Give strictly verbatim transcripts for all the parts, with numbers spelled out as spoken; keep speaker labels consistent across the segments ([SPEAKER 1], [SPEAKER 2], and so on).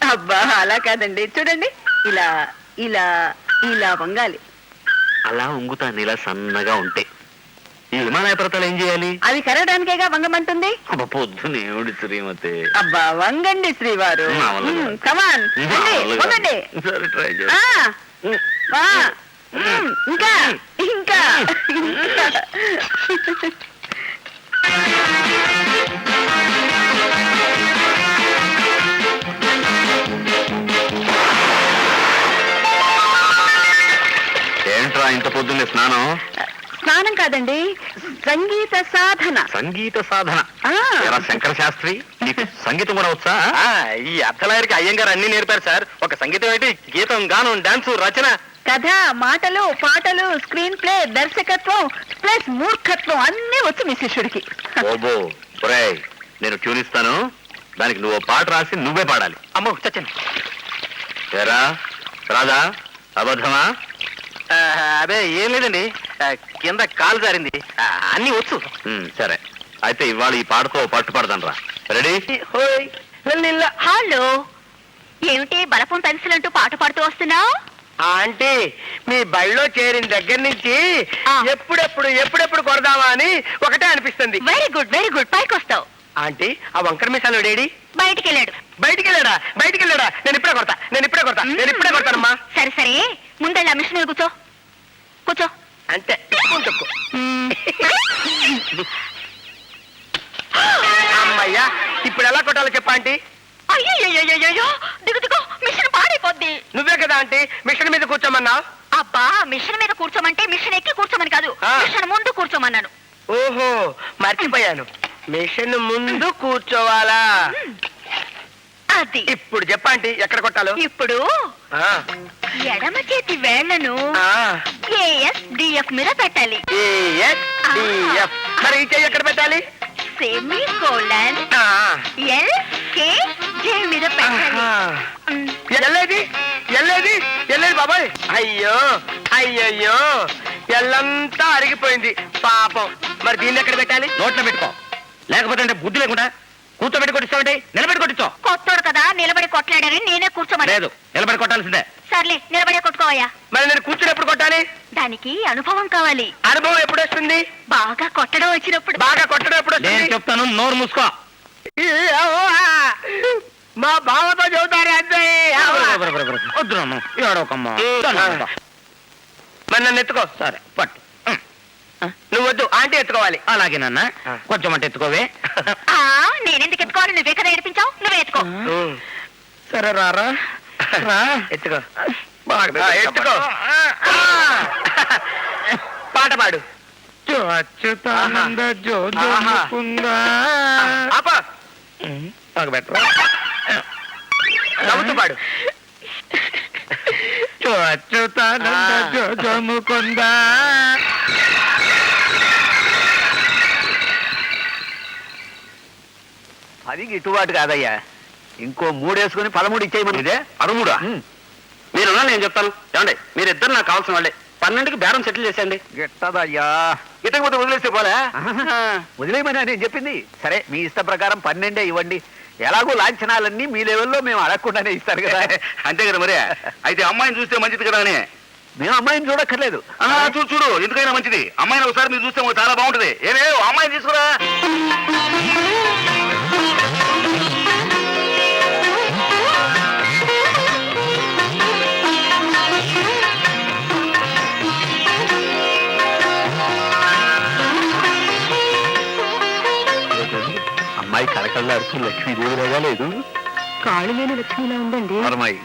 [SPEAKER 1] అబ్బా అలా కాదండి, చూడండి ఇలా ఇలా ఇలా వంగాలి.
[SPEAKER 2] అలా వంగుతాను ఇలా సన్నగా ఉంటే. ఈ విమానాయ పర్వతాలు ఏం చేయాలి?
[SPEAKER 1] అవి కరగడానికేగా వంగమంటుంది.
[SPEAKER 2] అబ్బా పొద్దునే ఏమిటి శ్రీమతి.
[SPEAKER 1] అబ్బా వంగండి శ్రీవారు. కమాన్ వంగండి.
[SPEAKER 2] సరే ట్రై
[SPEAKER 1] ఆ, వా. మ్మ్, ఇంకా ఇంకా ఇంకా.
[SPEAKER 2] ఏంట్రా ఇంత పొద్దున్నే స్నానం?
[SPEAKER 1] స్నానం కాదండి, సంగీత సాధన.
[SPEAKER 2] సంగీత సాధన?
[SPEAKER 1] ఆ.
[SPEAKER 2] ఎరా శంకర శాస్త్రి, నీకు సంగీతం కూడా వచ్చా?
[SPEAKER 3] ఈ అర్థలాయరికి అయ్యంగారు అన్ని నేర్పారు సార్. ఒక సంగీతం ఏంటి, గీతం, గానం, డాన్స్, రచన,
[SPEAKER 1] కథ, మాటలు, పాటలు, స్క్రీన్ ప్లే, దర్శకత్వం ప్లస్ మూర్ఖత్వం అన్నీ వచ్చు మీ శిష్యుడికి.
[SPEAKER 2] ఓబో ఒరేయ్, నేను ట్యూన్ ఇస్తాను, దానికి నువ్వు పాట రాసి నువ్వే పాడాలి.
[SPEAKER 3] అమ్మో చచ్చండి.
[SPEAKER 2] ఏరా రాదా, అబద్ధమా?
[SPEAKER 3] అదే ఏం లేదండి, కింద కాలు జారింది. అన్ని వచ్చు.
[SPEAKER 2] సరే అయితే ఇవాళ ఈ పాటతో పట్టు పడదాను రా. రెడీ?
[SPEAKER 1] హలో, ఏమిటి బలపం పెన్సిల్ అంటూ పాట పాడుతూ వస్తున్నావు?
[SPEAKER 3] ఆంటీ, మీ బళ్ళో చేరిన దగ్గర నుంచి ఎప్పుడెప్పుడు ఎప్పుడెప్పుడు కొడదామా అని ఒకటే అనిపిస్తుంది.
[SPEAKER 1] వెరీ గుడ్ వెరీ గుడ్, పైకి వస్తావు.
[SPEAKER 3] ఆంటీ, ఆ వంకర మిసాలు డేడి
[SPEAKER 1] బయటికి వెళ్ళాడు.
[SPEAKER 3] బయటికి వెళ్ళాడా? బయటికి వెళ్ళాడా? నేను ఇప్పుడే కొడతా, నేను ఇప్పుడే కొడతా, నేను ఇప్పుడే కొడతానమ్మా.
[SPEAKER 1] సరే సరే, ముందెళ్ళి ఆ మిషన్ మీద కూర్చో కూర్చో.
[SPEAKER 3] అంతే, తక్కువ. అమ్మయ్యా, ఇప్పుడు ఎలా కొట్టాలో చెప్పా ఆంటీ.
[SPEAKER 1] అయ్యో దిగు దిగు, మిషన్ పాడైపోద్ది.
[SPEAKER 3] నువ్వే కదా ఆంటీ మిషన్ మీద కూర్చోమన్నావు.
[SPEAKER 1] అబ్బా, మిషన్ మీద కూర్చోమంటే మిషన్ ఎక్కి కూర్చోమని కాదు, మిషన్ ముందు కూర్చోమన్నాను.
[SPEAKER 3] ఓహో మర్చిపోయాను, మిషన్ ముందు కూర్చోవాలా?
[SPEAKER 1] అది
[SPEAKER 3] ఇప్పుడు చెప్పండి ఎక్కడ కొట్టాలో.
[SPEAKER 1] ఇప్పుడు ఎడమ చేతి వేళ్లను ఏఎస్ డిఎఫ్ మీద పెట్టాలి.
[SPEAKER 3] A S D F. మరి ఈ చెయ్యి ఎక్కడ పెట్టాలి?
[SPEAKER 1] Semicolon L K J మీద పెట్టాలి.
[SPEAKER 3] ఎల్లేది ఎల్లేది ఎల్లేది బాబాయ్. అయ్యో అయ్యయ్యో, ఎల్లంతా అరిగిపోయింది పాపం. మరి దీన్ని ఎక్కడ పెట్టాలి?
[SPEAKER 2] నోట్లో పెట్టుకో, లేకపోతే అంటే బుద్ధి లేకుండా కూర్చోబెట్టి కొట్టిస్తావంటే నిలబెట్టి కొట్టించో.
[SPEAKER 1] కొత్తోడు కదా నిలబడి కొట్లాడని నేనే కూర్చోమని.
[SPEAKER 2] లేదు, నిలబడి కొట్టాల్సిందే.
[SPEAKER 1] సర్లే, నిలబడే కొట్టుకోవయ్యా.
[SPEAKER 3] మరి నేను కూర్చుని ఎప్పుడు కొట్టాలి?
[SPEAKER 1] దానికి అనుభవం కావాలి.
[SPEAKER 3] అనుభవం ఎప్పుడు వస్తుంది?
[SPEAKER 1] బాగా కొట్టడం వచ్చినప్పుడు.
[SPEAKER 3] బాగా కొట్టడం ఎప్పుడు
[SPEAKER 2] నేను
[SPEAKER 3] వస్తుంది?
[SPEAKER 2] చెప్తాను, నోరు మూసుకో.
[SPEAKER 3] మా బావతో చెబుతారే అంతే.
[SPEAKER 2] వద్దు నన్ను ఏడవకమ్మా.
[SPEAKER 3] మరి నన్ను ఎత్తుకో.
[SPEAKER 2] సరే పట్టు.
[SPEAKER 3] నువ్వు వద్దు, ఆంటీ ఎత్తుకోవాలి.
[SPEAKER 2] అలాగే నాన్న, కొంచెం అంటే ఎత్తుకోవే.
[SPEAKER 1] ఆ, నేనెందుకు ఎత్తుకోవాలి? నువ్వే కదా ఏడిపించావు, నువ్వే ఎత్తుకో.
[SPEAKER 2] సరే రారా,
[SPEAKER 3] ఎత్తుకో. ఎత్తుకో. పాట పాడు.
[SPEAKER 2] అచ్యుతానంద జో జో ముకుంద.
[SPEAKER 3] ఆపా,
[SPEAKER 2] బెటర్
[SPEAKER 3] నవ్వుతూ పాడు.
[SPEAKER 2] అచ్యుతానంద జో జో ముకుంద.
[SPEAKER 4] అది గిట్టుబాటు కాదయ్యా, ఇంకో మూడేసుకుని పదమూడు ఇచ్చేయమని.
[SPEAKER 2] ఇదే పదమూడా? మీరున్నా నేను చెప్తాను. ఏమండి, మీరిద్దరు నాకు కావాల్సిన వాళ్ళే. పన్నెండుకి బేరం సెటిల్ చేసేయండి.
[SPEAKER 4] గిట్టదయ్యా,
[SPEAKER 2] గిట్టకపోతే వదిలేస్తే పోలే.
[SPEAKER 4] వదిలేయమని నేను చెప్పింది. సరే, మీ ఇష్ట ప్రకారం పన్నెండే ఇవ్వండి. ఎలాగో లాంఛనాలన్నీ మీ లెవెల్లో మేము అడగకుండానే ఇస్తారు కదా.
[SPEAKER 2] అంతే కదా మరి. అయితే అమ్మాయిని చూస్తే మంచిది కదా అని.
[SPEAKER 4] మేము అమ్మాయిని చూడక్కర్లేదు.
[SPEAKER 2] చూడు చూడు, ఎందుకైనా మంచిది. అమ్మాయిని ఒకసారి మీరు చూస్తే చాలా బాగుంటది. ఏమే అమ్మాయిని తీసుకురా.
[SPEAKER 4] అమ్మాయి కళకళ్ళాడుతూ లక్ష్మీదేవిలాగా లేదు?
[SPEAKER 1] కాళ్ళు లేని లక్ష్మిలా ఉందండి.
[SPEAKER 4] అమ్మాయి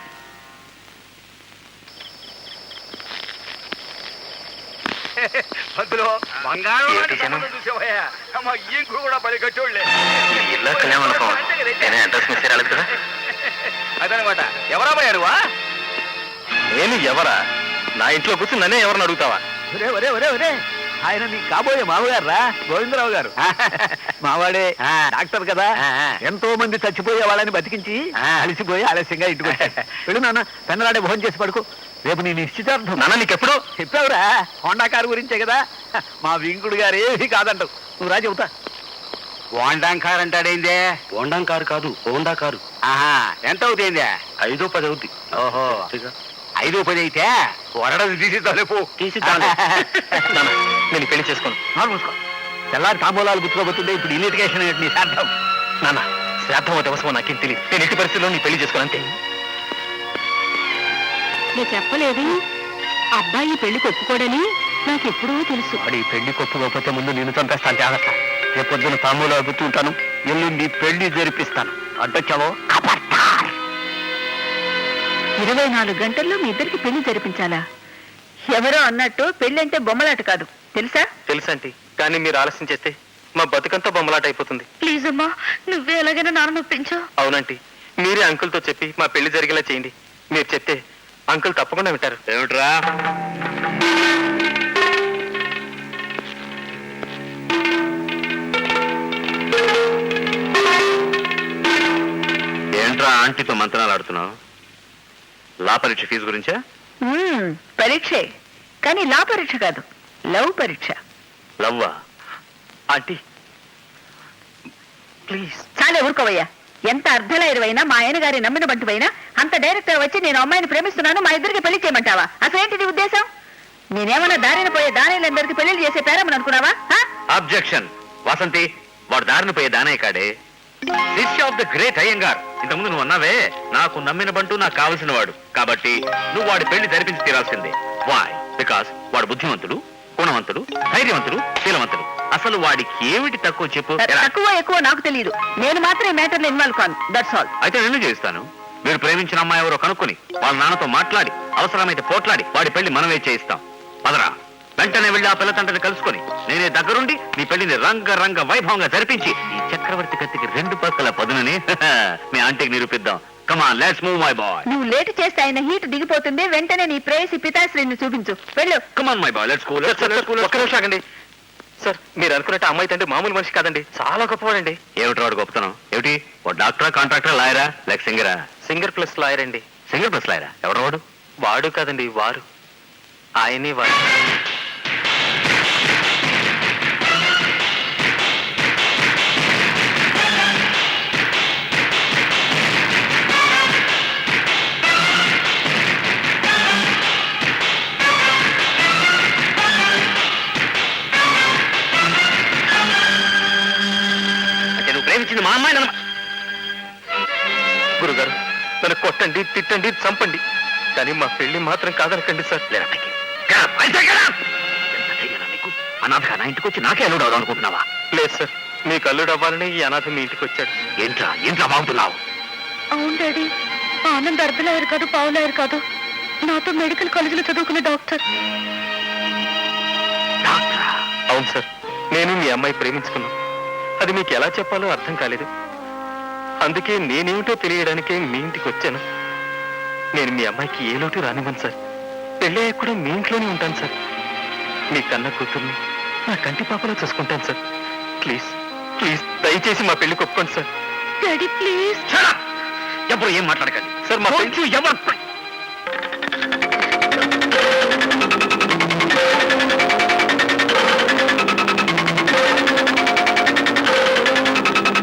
[SPEAKER 2] అదనమాట. ఎవరా పోయారువా? నేను ఎవరా? నా ఇంట్లో కూర్చుని నన్నే ఎవరిని అడుగుతావా?
[SPEAKER 4] ఒరే ఒరే ఒరే ఒరే, ఆయన నీ కాబోయే మామగారు రా, గోవిందరావు గారు. మావాడే డాక్టర్ కదా, ఎంతో మంది చచ్చిపోయే వాళ్ళని బతికించి అలసిపోయి ఆలస్యంగా ఇంటికి వచ్చాడు. వెళ్ళు నాన్న, పెన్నలాడే భోజనం చేసి పడుకో. రేపు నీ నిశ్చితార్థం.
[SPEAKER 2] నాన్న నీకెప్పుడు
[SPEAKER 4] చెప్పావురా, హోండా కారు గురించే కదా. మా వింకుడు గారు ఏమీ కాదంటావు. నువ్వు రా చెబుతా.
[SPEAKER 2] హోండా కారు అంటాడేందే? హోండా కారు కాదు, హోండా కారు.
[SPEAKER 4] ఆహా,
[SPEAKER 2] ఎంత అవుతాయిందే? ఐదో పది అవుద్ది
[SPEAKER 4] ఓహో ఐదు పది అయితే వరడది తీసి తలుపు
[SPEAKER 2] తీసి తాళం. నాన్న, నేను పెళ్లి చేసుకోను.
[SPEAKER 4] నాలుగు మూసుకో. తెల్లారి తాంబూలాలు గుర్తుకోబోతుంది ఇప్పుడు ఇన్విటికేషన్ ఏంటి నీ సార్థం
[SPEAKER 2] నాన్న, శ్రాద్ధమో దివసమో నాకేం తెలియదు. నేను ఎట్టి పరిస్థితుల్లో నీ పెళ్లి చేసుకోను అంతే.
[SPEAKER 1] నేను చెప్పలేదు అబ్బాయి పెళ్లికి ఒప్పుకోడని నాకు ఎప్పుడూ తెలుసు.
[SPEAKER 2] వాడి పెళ్లి కొప్పుకోకపోతే ముందు నేను చంపేస్తాను. జాగ్రత్త. రేపు పొద్దున తాంబూలాలు గుర్తుంటాను, ఎల్లుండి పెళ్లి జరిపిస్తాను. అడ్డొచ్చావో
[SPEAKER 1] ఇరవై నాలుగు గంటల్లో మీ ఇద్దరికి పెళ్లి జరిపించాలా? ఎవరో అన్నట్టు పెళ్లి అంటే బొమ్మలాట కాదు తెలుసా?
[SPEAKER 2] తెలుసండి, కానీ మీరు ఆలస్యం చేస్తే మా బతుకంతా బొమ్మలాట అయిపోతుంది.
[SPEAKER 1] ప్లీజ్ అమ్మా, నువ్వే ఎలాగైనా నాన్న నొప్పించు.
[SPEAKER 2] అవునండి, మీరే అంకుల్తో చెప్పి మా పెళ్లి జరిగేలా చేయండి. మీరు చెప్తే అంకుల్ తప్పకుండా వింటారు.
[SPEAKER 4] ఏమిట్రా ఏంట్రా ఆంటీతో మంత్రాలు ఆడుతున్నావు? లా పరీక్ష ఫీజు గురించా?
[SPEAKER 1] మ్మ్, పరీక్షే, కానీ లా పరీక్ష కాదు, లవ్ పరీక్ష.
[SPEAKER 4] లవ్వా?
[SPEAKER 2] Aunty please.
[SPEAKER 1] చాలా ఊరుకోవయ్యా. ఎంత అర్ధలైరువైనా మా ఆయన గారి నమ్మిన బంటువైనా అంత డైరెక్ట్ గా వచ్చి నేను అమ్మాయిని ప్రేమిస్తున్నాను, మా ఇద్దరికి పెళ్లి చేయమంటావా? అసలేంటి నీ ఉద్దేశం? నేనేమన్నా దారిన పోయే దానిలందరికీ పెళ్లి చేసే పేరమని అనుకున్నావా?
[SPEAKER 4] అబ్జెక్షన్. వసంతి, వాడు దారిని పోయే దానే కాడే, శిష్య ఆఫ్ ద గ్రేట్ అయ్యంగార్. ఇంతకుముందు నువ్వు అన్నావే నాకు నమ్మిన బంటూ నాకు కావలసిన వాడు, కాబట్టి నువ్వు వాడి పెళ్లి జరిపించి తీరాల్సిందే. వాయ్? బికాస్ వాడు బుద్ధిమంతుడు, గుణవంతుడు, ధైర్యవంతుడు, శీలవంతుడు. అసలు వాడికి ఏమిటి తక్కువ చెప్పు. ఎలా?
[SPEAKER 1] తక్కువ ఎక్కువ నాకు తెలియదు, నేను మాత్రం ఈ మ్యాటర్ లో ఇన్వాల్వ్ కాను. That's all.
[SPEAKER 4] అయితే నేను చేస్తాను. మీరు ప్రేమించిన అమ్మాయి ఎవరో కనుక్కొని వాళ్ళ నాన్నతో మాట్లాడి అవసరమైతే పోట్లాడి వాడి పెళ్లి మనమే చేయిస్తాం. పదరా, వెంటనే వెళ్ళి ఆ పిల్ల తండ్రిని కలుసుకొని నేనే దగ్గరుండి నీ పెళ్లిని రంగ రంగ వైభవంగా జరిపించి ఈ చక్రవర్తి కత్తికి రెండు పక్కల పదునని మీ ఆంటీకి నిరూపిద్దాం. Come on, let's move my boy.
[SPEAKER 1] నువ్వు లేట్ చేస్తే ఆయన హీట్ దిగిపోతుంది. వెంటనే నీ ప్రేయసి పితాశ్రీని చూపించు. వెళ్ళు.
[SPEAKER 4] Come on my boy, let's go.
[SPEAKER 2] ఒక్క నిమిషం ఆగండి సార్. మీరు అనుకున్నట్టు అమ్మాయి తండ్రి మామూలు మనిషి కాదండి, చాలా గొప్పవాడండి.
[SPEAKER 4] ఏమిటి వాడు గొప్పతనం? ఏమిటి? ఓ డాక్టరా, కాంట్రాక్టరా, లాయరా, లేక సింగరా?
[SPEAKER 2] సింగర్ ప్లస్ లాయర్ అండి.
[SPEAKER 4] సింగర్ ప్లస్ లాయరా? ఎవరు వాడు?
[SPEAKER 2] వాడు కాదండి, వారు. ఆయనే వారు.
[SPEAKER 4] అంటే నువ్వు ప్రేమించింది మా అమ్మాయి నమ్మ.
[SPEAKER 2] గురుగారు, నన్ను కొట్టండి, తిట్టండి, చంపండి, కానీ మా పెళ్లి మాత్రం కాదనకండి సార్.
[SPEAKER 4] లేరా పైకి. Get up, I say get up! ఎంత ధైర్యం నీకు? అనాథగా నా ఇంటికి వచ్చి నాకే అల్లుడు అవుదాం అనుకుంటున్నావా?
[SPEAKER 2] లేదు సార్, మీకు అల్లుడు అవ్వాలని ఈ అనాథ మీ ఇంటికి వచ్చాడు.
[SPEAKER 4] ఏంట్రా ఏంట్రా బాగుంటున్నావు?
[SPEAKER 1] అవును డాడీ, ఆనంద్ అర్ధలయ్యారు కాదు, పావులయ్యారు కాదు, నాతో మెడికల్ కాలేజీలో చదువుకునే డాక్టర్.
[SPEAKER 4] డాక్టరా?
[SPEAKER 2] అవును సార్, నేను మీ అమ్మాయి ప్రేమించుకున్నాను. అది మీకు ఎలా చెప్పాలో అర్థం కాలేదు. అందుకే నేనేమిటో తెలియడానికే మీ ఇంటికి వచ్చాను. నేను మీ అమ్మాయికి ఏ లోటు రానివ్వను సార్. పెళ్ళే కూడా మీ ఇంట్లోనే ఉంటాను సార్. మీ కన్న కూతుర్ని నా కంటి పాపలో చూసుకుంటాను సార్. ప్లీజ్ ప్లీజ్ దయచేసి మా పెళ్లికి ఒప్పుకోండి sir.
[SPEAKER 1] Daddy please.
[SPEAKER 4] Shut up! ఎప్పుడు ఏం మాట్లాడకండి
[SPEAKER 2] సార్ మా
[SPEAKER 4] Don't you ever-